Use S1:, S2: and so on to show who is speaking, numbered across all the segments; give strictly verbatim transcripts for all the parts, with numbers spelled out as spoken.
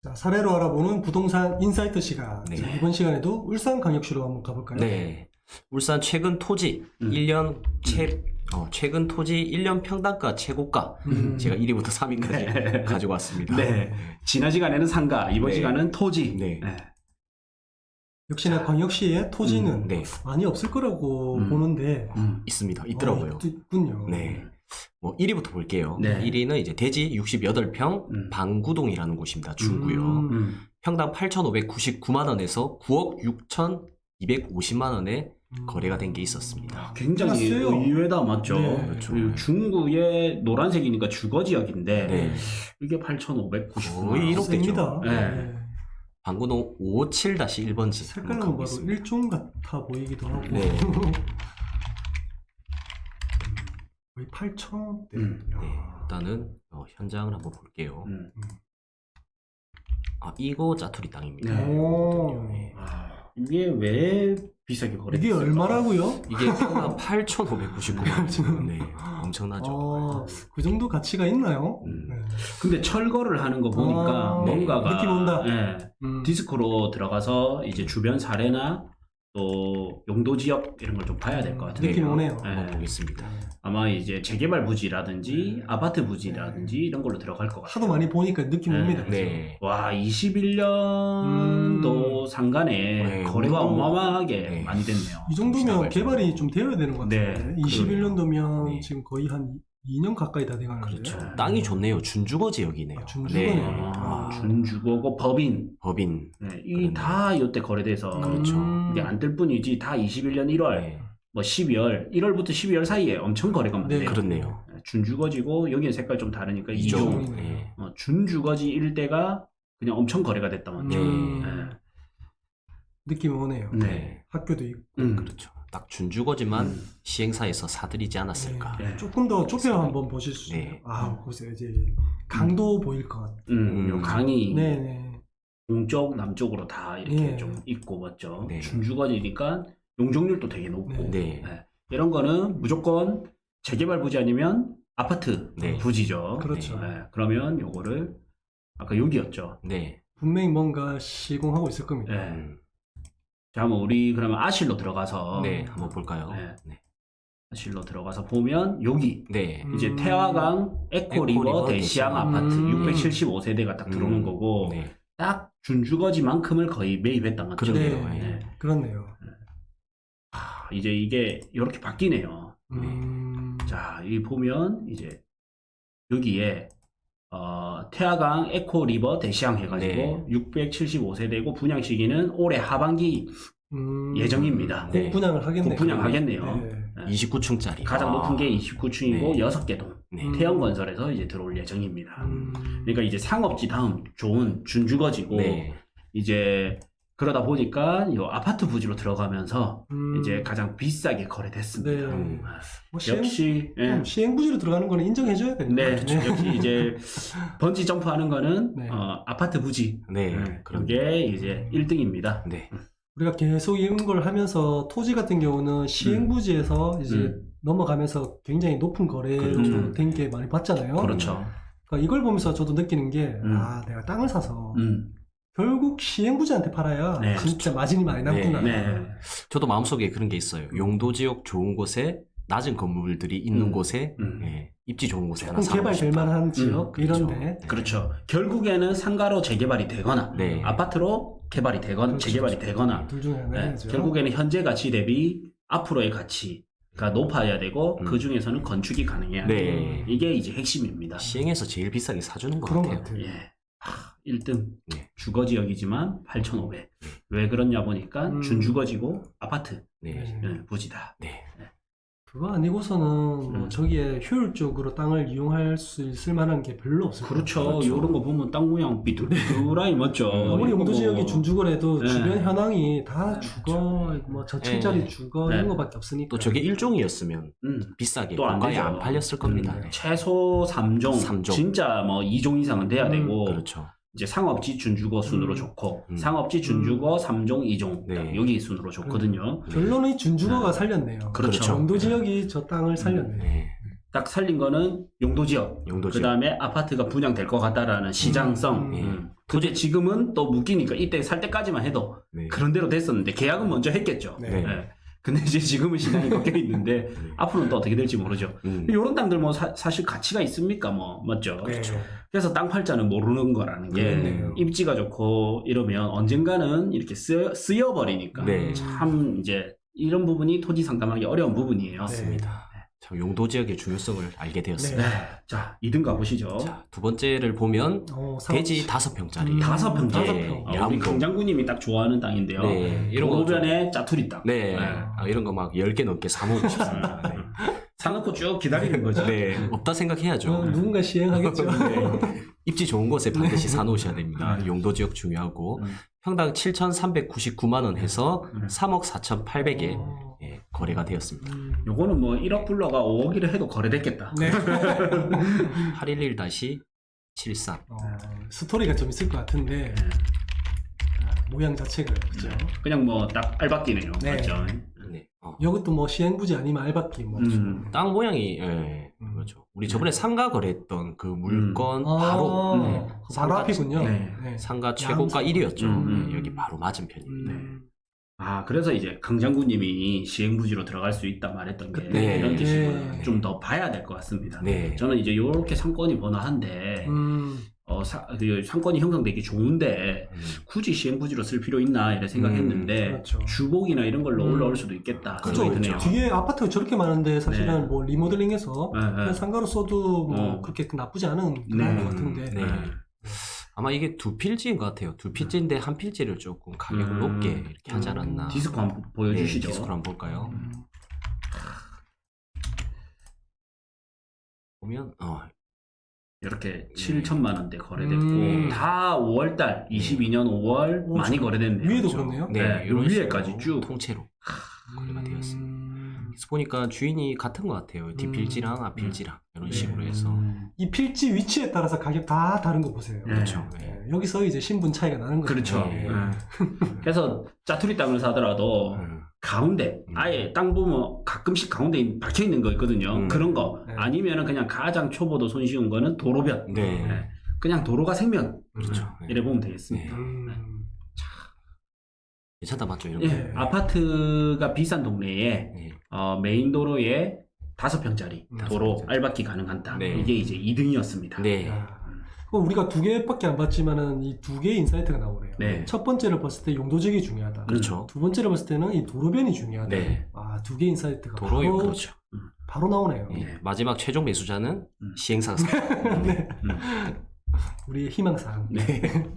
S1: 자, 사례로 알아보는 부동산 인사이트 시간.
S2: 네.
S1: 자, 이번 시간에도 울산광역시로 한번 가볼까요?
S2: 네. 울산 최근 토지
S3: 음.
S2: 일 년 최, 어, 최근 토지 일 년 평당가 최고가.
S1: 음.
S2: 제가 일 위부터 삼 위까지
S3: 네.
S2: 가지고 왔습니다.
S3: 네. 지난 시간에는 상가, 이번
S2: 네.
S3: 시간은 토지.
S2: 네.
S1: 역시나 광역시에 토지는
S2: 음, 네.
S1: 많이 없을 거라고
S3: 음.
S1: 보는데
S3: 음.
S2: 있습니다. 있더라고요.
S1: 어, 있군요.
S2: 네. 뭐 일 위부터 볼게요.
S3: 네.
S2: 일 위는 이제 대지 육십팔 평
S3: 음.
S2: 방구동이라는 곳입니다. 중구요.
S1: 음.
S3: 음.
S2: 평당 팔천오백구십구만 원에서 구억 육천이백오십만 원에
S1: 음.
S2: 거래가 된 게 있었습니다.
S3: 굉장히
S1: 끝났어요.
S3: 의외다, 맞죠?
S1: 네.
S2: 그렇죠.
S3: 그리고 중구의 노란색이니까 주거 지역인데
S2: 네.
S3: 이게 팔천오백구십구만
S2: 거의
S3: 원.
S2: 일억 대죠.
S1: 셉니다.
S3: 네.
S2: 방구동 오오칠 일 번지.
S1: 색깔은 바로 일종 같아 보이기도 하고
S2: 네.
S1: 거의 팔천 대.
S3: 음.
S1: 야.
S2: 네, 일단은 어, 현장을 한번 볼게요.
S3: 음.
S2: 아, 이거 짜투리 땅입니다.
S3: 네.
S1: 오.
S2: 네.
S3: 아, 이게 왜 비싸게 거래됐을까?
S1: 이게 얼마라고요?
S2: 이게 평당 팔천오백구십구만 원. 네, 엄청나죠.
S1: 아, 그 정도 가치가 있나요?
S2: 음.
S1: 네.
S3: 근데 철거를 하는 거 보니까
S1: 아,
S3: 뭔가가
S1: 느낌 온다.
S3: 예,
S1: 음.
S3: 디스크로 들어가서 이제 주변 사례나 또 용도 지역 이런 걸 좀 봐야 될 것 같은데요.
S1: 느낌 오네요.
S2: 한번
S3: 예.
S2: 보겠습니다.
S3: 아마 이제 재개발 부지라든지
S1: 네.
S3: 아파트 부지라든지 이런 걸로 들어갈 것 같아요.
S1: 하도 많이 보니까 느낌
S3: 네.
S1: 옵니다.
S2: 네.
S3: 와, 이십일 년도
S1: 음.
S3: 상간에
S2: 네,
S3: 거래가
S2: 물론-
S3: 어마어마하게
S2: 네.
S3: 많이 됐네요.
S1: 이 정도면
S2: 지나갈
S1: 개발이 좀 되어야 되는 것 같아요.
S3: 네,
S1: 이십일 년도면
S2: 네.
S1: 지금 거의 한 이 년 가까이 다 돼가는데.
S2: 그렇죠.
S3: 네.
S2: 땅이 좋네요. 준주거 지역이네요.
S1: 아, 준주거네요.
S2: 네.
S3: 아,
S1: 아.
S3: 준주거고 법인
S2: 법인.
S3: 네,
S2: 그러네요.
S3: 이 다 이때 거래돼서
S2: 그렇죠.
S1: 음.
S3: 이게 안 뜰 뿐이지 다 이십일 년 일월
S2: 네.
S3: 뭐 십이월, 일월부터 십이월 사이에 엄청 거래가 많네요.
S1: 네.
S2: 그렇네요.
S3: 준주거지고 여기는 색깔 좀 다르니까
S2: 이종.
S3: 이종.
S1: 이종이네요.
S2: 네.
S3: 어, 준주거지 일대가 그냥 엄청 거래가 됐단 말이죠.
S1: 음. 느낌이 오네요.
S3: 네.
S2: 네.
S1: 학교도 있고.
S3: 음.
S2: 그렇죠. 딱 준주거지만
S3: 음.
S2: 시행사에서 사들이지 않았을까.
S3: 네.
S1: 조금 더 좁혀 한번 보실 수 있어요.
S2: 네.
S1: 아, 보세요. 이제 강도 보일 것 같아요.
S3: 음, 요
S2: 음.
S3: 강이
S1: 네네.
S3: 동쪽, 남쪽으로 다 이렇게
S1: 네.
S3: 좀 있고 맞죠.
S2: 네.
S3: 준주거지니까 용적률도 되게 높고
S1: 네.
S2: 네.
S3: 네. 이런 거는 무조건 재개발 부지 아니면 아파트
S2: 네.
S3: 부지죠.
S1: 그렇죠.
S3: 네. 그러면 요거를 아까 여기였죠.
S2: 네.
S1: 분명히 뭔가 시공하고 있을 겁니다.
S3: 네.
S2: 음.
S3: 자, 한번 우리 그러면 아실로 들어가서
S2: 네. 한번 볼까요?
S3: 네.
S2: 네.
S3: 아실로 들어가서 보면 여기
S2: 네.
S1: 음.
S3: 이제 태화강 에코리버
S2: 에코리버
S3: 대시양
S2: 대시양.
S3: 아파트
S1: 음.
S3: 육백칠십오 세대가 딱 들어오는
S2: 음.
S3: 거고
S2: 네.
S3: 딱 준주거지만큼을 거의 매입했단 말이죠.
S2: 그러네요.
S1: 네.
S2: 예.
S1: 그렇네요.
S3: 아, 이제 이게 이렇게 바뀌네요.
S1: 음.
S3: 자, 이 보면 이제 여기에 어, 태화강 에코리버 대시양 해가지고
S2: 네.
S3: 육백칠십오 세대고 분양 시기는 올해 하반기
S1: 음.
S3: 예정입니다.
S2: 네.
S1: 분양을 하겠네요.
S3: 분양하겠네요.
S1: 네.
S3: 네.
S2: 이십구 층짜리.
S3: 가장
S2: 아.
S3: 높은 게 이십구 층이고
S2: 네.
S3: 여섯 개 동.
S2: 네.
S1: 음.
S3: 태영건설에서 이제 들어올 예정입니다.
S1: 음.
S3: 그러니까 이제 상업지 다음 좋은 준주거지고
S2: 네.
S3: 이제 그러다 보니까 이 아파트 부지로 들어가면서
S1: 음.
S3: 이제 가장 비싸게 거래됐습니다.
S1: 네.
S2: 음.
S1: 뭐 시행,
S3: 역시 예.
S1: 음, 시행부지로 들어가는 거는 인정해줘야 되는
S3: 네,
S1: 거죠.
S3: 역시 이제 번지 점프하는 거는
S1: 네.
S3: 어, 아파트 부지.
S2: 네.
S3: 네,
S2: 그런
S3: 그게 이제 일 등입니다.
S2: 네.
S1: 우리가 계속 이런 걸 하면서 토지 같은 경우는 시행부지에서 이제
S3: 음.
S1: 넘어가면서 굉장히 높은 거래로
S3: 그렇죠.
S1: 된 게 많이 봤잖아요.
S3: 그렇죠.
S1: 그러니까 이걸 보면서 저도 느끼는 게,
S3: 음.
S1: 아, 내가 땅을 사서
S3: 음.
S1: 결국 시행부지한테 팔아야
S3: 네,
S1: 진짜 마진이 많이 남구나.
S3: 네.
S2: 저도 마음속에 그런 게 있어요. 용도 지역 좋은 곳에 낮은 건물들이 있는
S3: 음.
S2: 곳에
S3: 음.
S2: 예, 입지 좋은 곳에 하나
S1: 조금
S2: 사고
S1: 개발될
S2: 싶다.
S1: 만한 지역
S2: 그렇죠.
S1: 이런데
S3: 그렇죠. 결국에는 상가로 재개발이 되거나
S2: 네.
S3: 아파트로 개발이 되거나
S1: 그렇죠.
S3: 재개발이 되거나
S1: 둘 중에
S3: 네,
S1: 하나죠.
S3: 결국에는 현재 가치 대비 앞으로의 가치가 높아야 되고
S2: 음.
S3: 그 중에서는 건축이 가능해야
S2: 네.
S3: 돼요. 이게 이제 핵심입니다.
S2: 시행에서 제일 비싸게 사주는 것
S1: 그런 것
S2: 같아요.
S1: 같아요.
S3: 예. 하, 일 등
S2: 네.
S3: 주거지역이지만 팔천오백. 왜 그러냐 보니까
S1: 음.
S3: 준주거지고 아파트
S2: 네.
S1: 네.
S3: 예, 부지다.
S2: 네.
S1: 그거 아니고서는 뭐
S3: 음.
S1: 저기에 효율적으로 땅을 이용할 수 있을 만한 게 별로 없을 거예요.
S3: 그렇죠.
S2: 그렇죠.
S3: 이런 거 보면 땅 모양 삐뚤삐뚤하니 맞죠.
S1: 아무리
S3: 이거
S1: 용도
S3: 뭐-
S1: 지역이 준주거래도
S3: 네.
S1: 주변 현황이 다
S3: 네,
S1: 주거, 뭐 저층짜리
S2: 네.
S1: 주거
S3: 네.
S1: 이런 거밖에 없으니까.
S2: 또 저게 일종이었으면
S3: 음.
S2: 비싸게
S3: 또안
S2: 공가에
S3: 되죠.
S2: 안 팔렸을 겁니다.
S1: 음.
S2: 네.
S3: 최소 삼 종,
S2: 삼 종.
S3: 진짜 뭐 이 종 이상은 돼야
S1: 음,
S3: 되고
S2: 그렇죠.
S3: 이제 상업지 준주거 순으로
S1: 음.
S3: 좋고
S2: 음.
S3: 상업지 준주거 삼 종, 이 종
S2: 네.
S3: 여기 순으로 좋거든요.
S1: 결론은 이 준주거가
S3: 네.
S1: 살렸네요.
S3: 그렇죠.
S1: 용도 지역이 저 땅을 살렸네요.
S2: 네.
S3: 딱 살린 거는 용도 지역.
S2: 용도
S3: 그
S2: 지역.
S3: 다음에 아파트가 분양될 것 같다라는 시장성.
S1: 음.
S3: 음. 근데 지금은 또 묶이니까 이때 살 때까지만 해도
S2: 네.
S3: 그런 대로 됐었는데 계약은 먼저 했겠죠.
S1: 네.
S2: 네.
S3: 예. 근데 이제 지금은 시장이 바뀌어 있는데
S2: 네.
S3: 앞으로는 또 어떻게 될지 모르죠.
S2: 음.
S3: 이런 땅들 뭐 사, 사실 가치가 있습니까? 뭐 맞죠.
S1: 그렇죠.
S3: 그래서 땅 팔자는 모르는 거라는 게
S1: 그렇네요.
S3: 입지가 좋고 이러면 언젠가는 이렇게 쓰여, 쓰여버리니까
S2: 네.
S3: 참 이제 이런 부분이 토지 상담하기 어려운 부분이에요.
S2: 맞습니다. 참 용도 지역의 중요성을 알게 되었습니다.
S3: 네. 자, 이 등 가보시죠.
S2: 자, 두 번째를 보면
S1: 어, 상업-
S2: 대지 다섯 평짜리.
S1: 음,
S3: 다섯 평.
S1: 다섯
S2: 예,
S1: 평.
S3: 어, 우리
S2: 양도.
S3: 강장군님이 딱 좋아하는 땅인데요.
S2: 네, 이런 거 좀-
S3: 도로변에 짜투리 땅.
S2: 네,
S3: 네.
S2: 아, 이런 거 막 열 개 넘게 사모으고 싶습니다. 네.
S3: 사놓고 쭉 기다리는 거죠.
S2: 네, 없다 생각해야죠.
S1: 어, 누군가 시행하겠죠.
S2: 네. 입지 좋은 곳에 반드시 사놓으셔야 됩니다.
S3: 네.
S2: 용도 지역 중요하고
S3: 음.
S2: 평당 칠천삼백구십구만 원 해서
S3: 음.
S2: 삼억 사천팔백에
S1: 어,
S2: 예, 거래가 되었습니다.
S1: 음.
S3: 요거는 뭐 일억 불러가 오억이라 해도 거래됐겠다.
S1: 네.
S2: 팔일일 칠삼.
S1: 어, 스토리가 좀 있을 것 같은데
S3: 네.
S1: 모양 자체가 그죠.
S3: 그냥 뭐 딱 알박기네요.
S1: 네.
S3: 맞죠?
S2: 네. 어.
S1: 이것도 뭐 시행부지 아니면 알박기 뭐.
S3: 음.
S2: 땅 모양이 예,
S1: 음.
S2: 그렇죠. 우리 저번에 상가 거래했던 그 물건
S1: 아,
S2: 바로 네.
S1: 바로
S2: 상가-
S1: 앞이군요.
S3: 네.
S1: 네.
S2: 상가 최고가 일 위였죠.
S3: 음.
S2: 네, 여기 바로 맞은편입니다.
S1: 음.
S3: 아, 그래서 이제 강장군님이 시행부지로 들어갈 수 있다 말했던 게
S2: 네.
S3: 이런 뜻이구나.
S1: 네.
S3: 좀 더 봐야 될 것 같습니다.
S2: 네.
S3: 저는 이제 요렇게 상권이 번화한데
S1: 음.
S3: 어, 사, 그 상권이 형성되기 좋은데
S2: 음.
S3: 굳이 시행부지로 쓸 필요 있나 이래 생각했는데
S1: 음, 그렇죠.
S3: 주복이나 이런 걸로
S1: 음.
S3: 올라올 수도 있겠다
S2: 그죠,
S3: 생각이 드네요.
S1: 뒤에 아파트가 저렇게 많은데 사실은
S3: 네.
S1: 뭐 리모델링해서
S3: 네, 네.
S1: 그냥 상가로 써도 뭐
S3: 어.
S1: 그렇게 나쁘지 않은 그런
S3: 네.
S1: 것 같은데.
S2: 네. 아마 이게 두 필지인 것 같아요. 두 필지인데 한 필지를 조금 가격을
S3: 음.
S2: 높게 이렇게 하지 않았나.
S3: 디스코 한번 보여주시죠.
S2: 네, 디스코 한번 볼까요?
S1: 음.
S2: 보면 어,
S3: 이렇게 칠천만 원대 거래됐고
S1: 음.
S3: 다 오월달 이십이 년 오월
S1: 오,
S3: 많이
S1: 저-
S3: 거래됐네요.
S1: 위에도
S3: 그렇죠?
S1: 그렇네요.
S2: 네,
S3: 네,
S2: 이런
S3: 위에까지
S2: 식으로
S3: 쭉.
S2: 통째로 거래가 되었습니다.
S1: 음.
S2: 그래서 보니까 주인이 같은 것 같아요. 뒷필지랑 앞필지랑 이런
S1: 네.
S2: 식으로 해서.
S3: 음.
S1: 이 필지 위치에 따라서 가격 다 다른 거 보세요.
S3: 네.
S2: 그렇죠.
S1: 네,
S2: 네.
S1: 여기서 이제 신분 차이가 나는 거죠.
S3: 그렇죠.
S2: 네.
S3: 네. 그래서 짜투리 땅을 사더라도
S2: 음.
S3: 가운데
S2: 음.
S3: 아예 땅 보면 가끔씩 가운데 박혀 있는 거 있거든요.
S2: 음.
S3: 그런 거
S1: 네.
S3: 아니면은 그냥 가장 초보도 손쉬운 거는 도로변.
S2: 네.
S3: 네. 그냥 도로가 생명.
S2: 그렇죠. 네.
S3: 이래 보면 되겠습니다.
S1: 음.
S2: 괜찮다 맞죠? 이런
S3: 예,
S2: 거.
S1: 네.
S3: 아파트가 비싼 동네에
S2: 네.
S3: 어, 메인 도로에 다섯 평짜리
S1: 음,
S3: 도로
S2: 다섯 평짜리.
S3: 알박기 가능한 땅.
S2: 네.
S3: 이게 이제 이 등이었습니다.
S2: 네.
S1: 야. 그럼 우리가 두 개밖에 안 봤지만은 이 두 개의 인사이트가 나오네요.
S3: 네.
S1: 첫 번째를 봤을 때 용도적이 중요하다.
S2: 그렇죠.
S1: 두 번째를 봤을 때는 이 도로변이 중요하다.
S2: 네.
S1: 아, 두 개의 인사이트가
S2: 도로에
S1: 바로,
S2: 그렇죠.
S1: 바로 나오네요.
S2: 예.
S3: 네.
S2: 마지막 최종 매수자는
S3: 음.
S2: 시행상사.
S1: 네.
S3: 음.
S1: 우리의 희망사항.
S3: 네.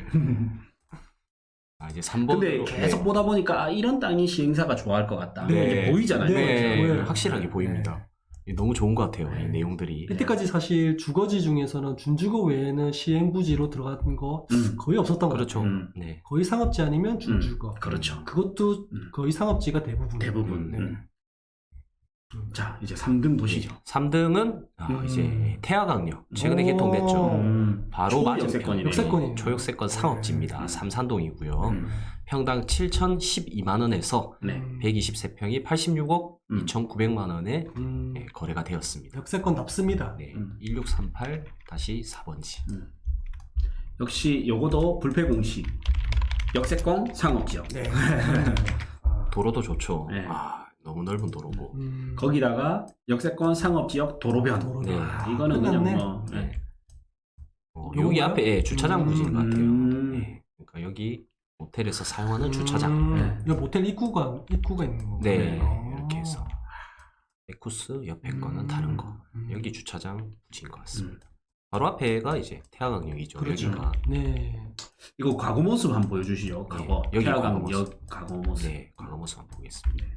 S2: 아, 이제 삼 번.
S3: 근데 계속 보다 보니까 아, 이런 땅이 시행사가 좋아할 것 같다.
S2: 네.
S3: 이게 보이잖아요.
S2: 네,
S1: 보여요.
S2: 확실하게 보입니다. 너무 좋은 것 같아요.
S1: 네.
S2: 이 내용들이.
S1: 이때까지 사실 주거지 중에서는 준주거 외에는 시행부지로 들어간 거
S3: 음.
S1: 거의 없었던 것
S2: 그렇죠.
S1: 같아요.
S3: 음.
S2: 네.
S1: 거의 상업지 아니면 준주거.
S3: 그렇죠.
S1: 그것도
S3: 음.
S1: 거의 상업지가 대부분.
S3: 대부분.
S1: 네.
S3: 음. 자, 이제 삼 등 보시죠.
S2: 삼 등은 아,
S1: 음.
S2: 이제 태화강력. 최근에
S1: 오.
S2: 개통됐죠.
S3: 음.
S2: 바로 맞은편.
S3: 초역세권이네.
S1: 역세권이네요.
S2: 초역세권 상업지입니다.
S3: 네.
S2: 삼산동이고요.
S3: 음.
S2: 평당 칠천십이만 원에서
S3: 네.
S1: 음.
S2: 백이십삼 평이 팔십육억
S3: 음.
S2: 이천구백만 원에
S1: 음.
S2: 예, 거래가 되었습니다.
S1: 역세권 납습니다.
S2: 네.
S3: 음.
S2: 일육삼팔 사 번지.
S3: 음. 역시 요거도 불패공시. 역세권 상업지역.
S1: 네. 아,
S2: 도로도 좋죠.
S3: 네.
S2: 아, 너무 넓은 도로고.
S1: 음.
S3: 거기다가 역세권 상업지역 도로변.
S1: 도로변.
S2: 네.
S3: 아, 이거는
S1: 끝났네.
S3: 그냥 뭐
S2: 네.
S3: 네.
S2: 어,
S1: 요거요?
S2: 여기 앞에 예, 주차장
S1: 음.
S2: 부지인 것 같아요.
S3: 음.
S2: 네. 그러니까 여기 호텔에서 사용하는 주차장.
S1: 음.
S3: 네.
S1: 여기 모텔 입구가 입구가 있는 거.
S2: 네.
S1: 아.
S2: 이렇게 해서. 에쿠스 옆에
S1: 음.
S2: 거는 다른 거.
S1: 음.
S2: 여기 주차장 부지인 것
S3: 음.
S2: 같습니다. 바로 앞에가 이제 태화강역이죠.
S1: 그렇죠.
S2: 여기가.
S1: 네.
S3: 이거 과거 모습 한번 보여주시죠.
S2: 네,
S3: 과거.
S2: 여기 과거
S3: 태화강
S2: 모습.
S3: 역 과거 모습.
S2: 네, 과거 모습 한번 보겠습니다.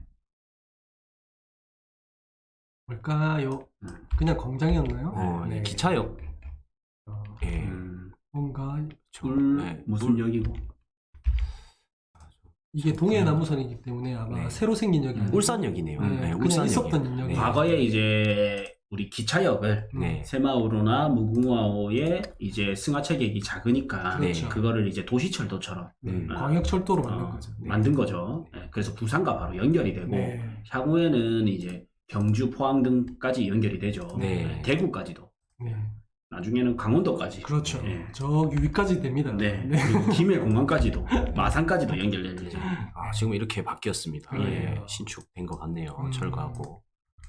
S1: 뭘까요?
S3: 음.
S1: 그냥 공장이었나요?
S2: 어,
S1: 네.
S2: 이 기차역.
S1: 어,
S2: 예.
S3: 음.
S1: 뭔가
S2: 그렇죠.
S3: 울
S2: 네,
S3: 무슨
S2: 물-
S3: 역이고?
S1: 이게 동해 남부선이기 때문에 아마
S2: 네.
S1: 새로 생긴 역이 아니고
S2: 울산역이네요.
S1: 네,
S2: 네,
S1: 그냥
S2: 울산역이요.
S1: 있었던 역이.
S3: 과거에 이제 우리 기차역을
S2: 네.
S3: 새마을호나 무궁화호에 이제 승하차객이 작으니까
S1: 그렇죠.
S3: 그거를 이제 도시철도처럼
S1: 네,
S2: 음.
S1: 광역철도로 만든
S3: 어,
S1: 거죠. 네.
S3: 만든 거죠. 네, 그래서 부산과 바로 연결이 되고
S1: 네.
S3: 향후에는 이제 경주, 포항 등까지 연결이 되죠.
S2: 네.
S3: 대구까지도.
S1: 네.
S3: 나중에는 강원도까지.
S1: 그렇죠.
S3: 예.
S1: 저기 위까지 됩니다.
S3: 네. 그리고 김해 공항까지도 마산까지도 연결될 예정.
S2: 아, 지금 이렇게 바뀌었습니다.
S1: 네.
S2: 예, 신축된 것 같네요.
S1: 음.
S2: 철거하고.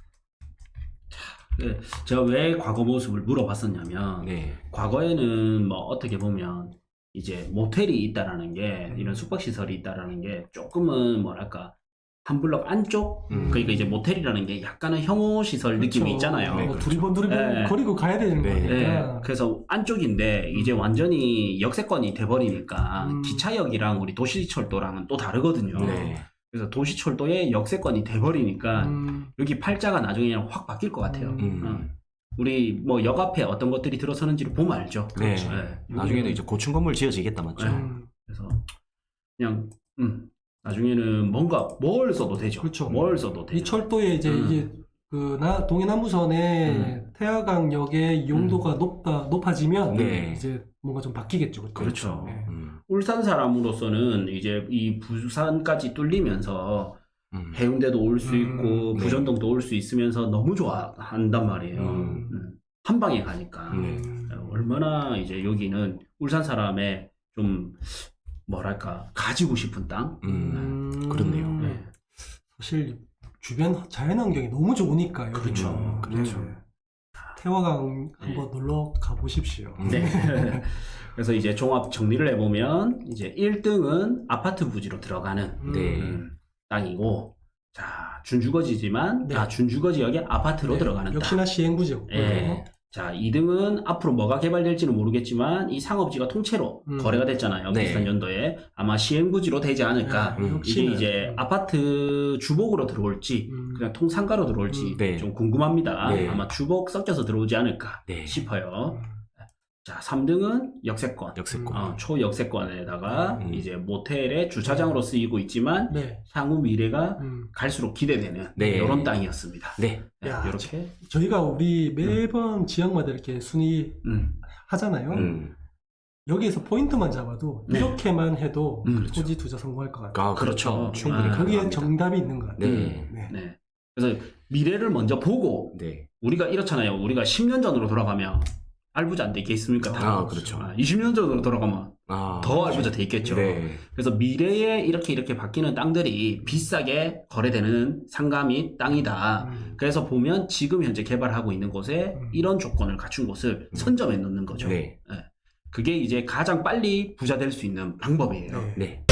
S3: 네, 제가 왜 과거 모습을 물어봤었냐면
S2: 네.
S3: 과거에는 뭐 어떻게 보면 이제 모텔이 있다라는 게
S1: 음.
S3: 이런 숙박시설이 있다라는 게 조금은 뭐랄까 한 블럭 안쪽
S2: 음.
S3: 그러니까 이제 모텔이라는 게 약간은 혐오시설 느낌이 있잖아요.
S2: 네,
S1: 뭐
S2: 그렇죠.
S1: 두리번 두리번
S3: 네.
S1: 거리고 가야 되는
S2: 네.
S3: 네,
S1: 거니까.
S3: 그래서 안쪽인데 이제 완전히 역세권이 돼버리니까
S1: 음.
S3: 기차역이랑 우리 도시철도랑은 또 다르거든요.
S2: 네.
S3: 그래서 도시철도의 역세권이 돼버리니까
S1: 음,
S3: 여기 팔자가 나중에 확 바뀔 것 같아요.
S1: 음.
S3: 어. 우리 뭐 역 앞에 어떤 것들이 들어서는지를 보면 알죠.
S2: 네.
S3: 네.
S2: 나중에도 이제 고층 건물 지어지겠다 맞죠?
S3: 네.
S1: 음,
S3: 그래서 그냥 음 나중에는 뭔가 뭘 써도 되죠.
S1: 그렇죠.
S3: 뭘 써도 되죠.
S1: 이 철도에 이제
S3: 음.
S1: 이게 그 나, 동해남부선의 태화강역의 이용도가 높다 높아지면
S2: 네.
S1: 이제 뭔가 좀 바뀌겠죠. 그때.
S3: 그렇죠.
S1: 네.
S2: 음.
S3: 울산 사람으로서는 이제 이 부산까지 뚫리면서
S2: 음.
S3: 해운대도 올 수
S1: 음.
S3: 있고
S2: 네.
S3: 부전동도 올 수 있으면서 너무 좋아한단 말이에요.
S2: 음.
S3: 음. 한 방에 가니까
S2: 네.
S1: 음,
S3: 얼마나 이제 여기는 울산 사람의 좀 뭐랄까 가지고 싶은 땅.
S2: 음.
S1: 음,
S2: 그렇네요.
S3: 네.
S1: 사실 주변 자연환경이 너무 좋으니까 여기는.
S3: 그렇죠.
S2: 그렇죠.
S1: 네. 태화강 한번 놀러 가보십시오.
S2: 음.
S3: 네. 그래서 이제 종합 정리를 해보면 이제 일 등은 아파트 부지로 들어가는
S1: 음,
S2: 네.
S3: 음, 땅이고, 자 준주거지지만
S1: 네.
S3: 다 준주거지역에 아파트로
S1: 네.
S3: 들어가는 땅.
S1: 역시나 시행구지였고요.
S3: 예. 자 이 등은 앞으로 뭐가 개발될지는 모르겠지만 이 상업지가 통째로
S1: 음.
S3: 거래가 됐잖아요.
S2: 네.
S3: 비슷한 연도에 아마 시행부지로 되지 않을까.
S1: 네,
S2: 음.
S3: 이게
S1: 역시나.
S3: 이제 아파트 주복으로 들어올지
S1: 음.
S3: 그냥 통상가로 들어올지
S1: 음.
S2: 네.
S3: 좀 궁금합니다.
S2: 네.
S3: 아마 주복 섞여서 들어오지 않을까
S2: 네.
S3: 싶어요.
S1: 음.
S3: 자 삼 등은 역세권.
S2: 역세권.
S3: 어, 초역세권에다가
S2: 음.
S3: 이제 모텔의 주차장으로 쓰이고 있지만
S1: 네.
S3: 향후 미래가
S1: 음.
S3: 갈수록 기대되는
S2: 네.
S3: 이런 땅이었습니다.
S2: 네.
S3: 네,
S1: 야,
S3: 이렇게
S1: 저희가 우리 매번 지역마다 이렇게 순위
S3: 음.
S1: 하잖아요.
S2: 음.
S1: 여기에서 포인트만 잡아도
S3: 네.
S1: 이렇게만 해도
S3: 음,
S1: 토지 투자 성공할 것 같아요.
S2: 아, 그렇죠.
S3: 그렇죠.
S2: 충분히
S3: 아,
S1: 거기에
S2: 가능합니다.
S1: 정답이 있는 것 같아요.
S2: 네.
S1: 네.
S3: 네. 그래서 미래를 먼저 보고
S2: 네.
S3: 우리가 이렇잖아요. 우리가 십 년 전으로 돌아가면 알부자 안 돼 있겠습니까? 다.
S2: 아, 그렇죠.
S3: 아, 이십 년 전으로 돌아가면
S2: 아,
S3: 더 알부자 돼 있겠죠.
S2: 네.
S3: 그래서 미래에 이렇게 이렇게 바뀌는 땅들이 비싸게 거래되는 상가 및 땅이다.
S1: 음.
S3: 그래서 보면 지금 현재 개발하고 있는 곳에
S1: 음.
S3: 이런 조건을 갖춘 곳을
S2: 음.
S3: 선점해 놓는 거죠.
S2: 네.
S3: 그게 이제 가장 빨리 부자 될 수 있는 방법이에요.
S1: 네.
S2: 네.